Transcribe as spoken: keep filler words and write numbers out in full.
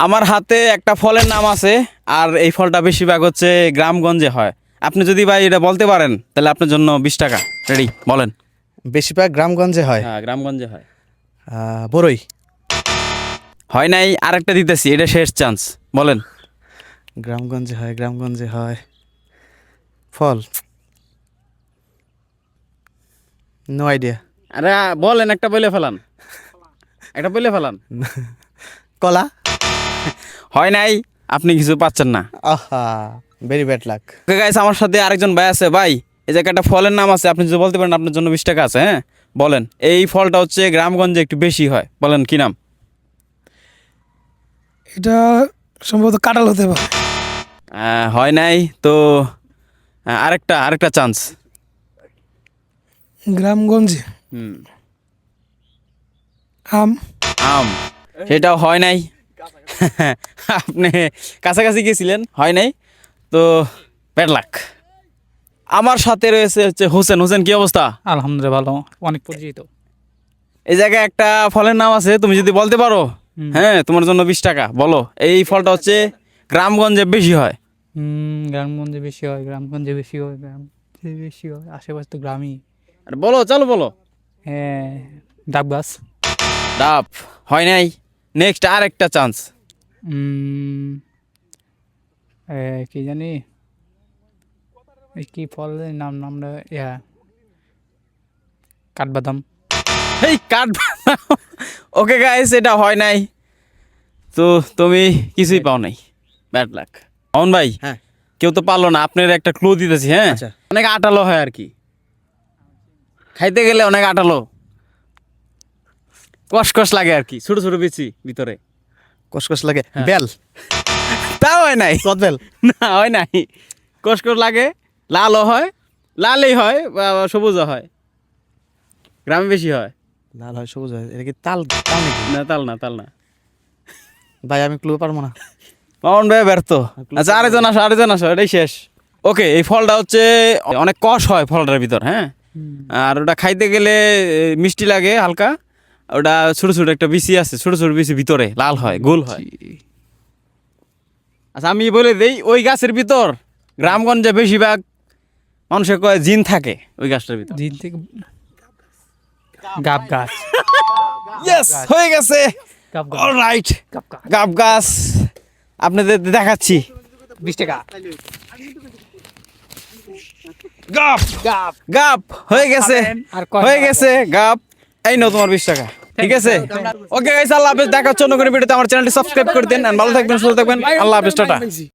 আমার হাতে একটা ফলের নাম আছে, আর এই ফলটা বেশিরভাগ হচ্ছে গ্রামগঞ্জে হয়। আপনি যদি ভাই এটা বলতে পারেন তাহলে আপনার জন্য বিশ টাকা। রেডি, বলেন। বেশিরভাগ গ্রামগঞ্জে হয়। হ্যাঁ, গ্রামগঞ্জে হয়। আহ, বড়ই। হয় নাই, আরেকটা দিতেছি, এটা শেষ চান্স, বলেন। গ্রামগঞ্জে হয়, গ্রামগঞ্জে হয় ফল। No idea. আরে বলেন, একটা বলে ফেলান, একটা বলে ফেলান। কলা। হয় নাই, আপনি কিছু পাচ্ছেন না। আহা, very bad luck. Okay guys, আমার সাথে আরেকজন ভাই আছে। ভাই, এই জায়গায় একটা ফলের নাম আছে, আপনি যদি বলতে পারেন আপনার জন্য বিশ টাকা আছে। হ্যাঁ, বলেন। এই ফলটা হচ্ছে গ্রামগঞ্জে একটু বেশি হয়, বলেন কি নাম? এটা সম্ভবত কাঁঠাল হতে পারে। আহ, হয় নাই তো। আহ, আরেকটা আরেকটা চান্স। গ্রামগঞ্জে হুম, আম। আম। সেটাও হয় নাই। আপনি কাছাকাছি গিয়েছিলেন, হয় নাই তো। Bad luck. আমার সাথে রয়েছে হচ্ছে হোসেন। হোসেন, কি অবস্থা? আলহামদুলিল্লাহ ভালো, অনেক পরিচিত। এই জায়গায় একটা ফলের নাম আছে, তুমি যদি বলতে পারো, হ্যাঁ, তোমার জন্য বিশ টাকা। বলো, এই ফলটা হচ্ছে গ্রামগঞ্জে বেশি হয়। হুম, গ্রামগঞ্জে বেশি হয়, গ্রামগঞ্জে বেশি হয়, গ্রামে বেশি হয়, আশেপাশে তো গ্রামই। আরে বলো, চলো বলো। হ্যাঁ, ডাব গাছ। ডাব। হয় নাই। নেক্সট আরেকটা চান্স। উম, এ, কি জানি, এই কি ফলের নাম নামটা, ইয়া কাঠবাদাম। এই কাঠ। ওকে গাইস, এটা হয় নাই তো, তুমি কিছুই পাও নাই। Bad luck. অন ভাই, হ্যাঁ। কেউ তো পারলো না, আপনার একটা ক্লু দিতেছি। হ্যাঁ, আচ্ছা। অনেক আটালো হয় আর কি, খাইতে গেলে অনেক আটালো, কসকস লাগে আর কি, ছোট ছোট বিচি ভিতরে। কসকস লাগে। বেল। তাও হয় নাই। কদবেল। না, হয় নাই। কসকস লাগে, লালও হয়, লালই হয় বা সবুজও হয়, গ্রামে বেশি হয়। লাল হয়, সবুজ হয়। এটা কি তাল? তাল নাকি? না, তাল না, তাল না। ভাই আমি ক্লু পারবো না। মামুন ভাই ব্যর্থ। আচ্ছা, আরেকজন আসো, আরেকজন আসো, এটাই শেষ। ওকে, এই ফলটা হচ্ছে অনেক কষ হয় ফলটার ভিতর। হ্যাঁ, আর ওটা খাইতে গেলে এ, মিষ্টি লাগে হালকা। ওটা ছোট ছোট একটা বিচি আছে, ছোট ছোট বিচি ভিতরে লাল হয়, গোল হয়। আচ্ছা, আমি বলে দেই, ওই গাছের ভিতর গ্রামগঞ্জে বেশিরভাগ মানুষের কয় জিন থাকে ওই গাছটার ভিতর। দিন থেকে গাব গাছ। ইয়েস, হয়ে গেছে। গাব গাছ। অলরাইট, গাব গাছ। গাব গাছ। আপনাদের দেখাচ্ছি। বিশ টাকা। গাপ গাব। গাপ হয়ে গেছে, আর কয় হয়ে টাকা? গেছে গাপ। এই নাও তোমার বিশ টাকা। ঠিক আছে, ওকে গাইস, আল্লাহ হাফেজ। দেখা হচ্ছে অন্য কোনো ভিডিওতে। আমার চ্যানেলটি সাবস্ক্রাইব করে দেন, আর ভালো থাকবেন, সুস্থ থাকবেন। আল্লাহ হাফেজ, টাটা।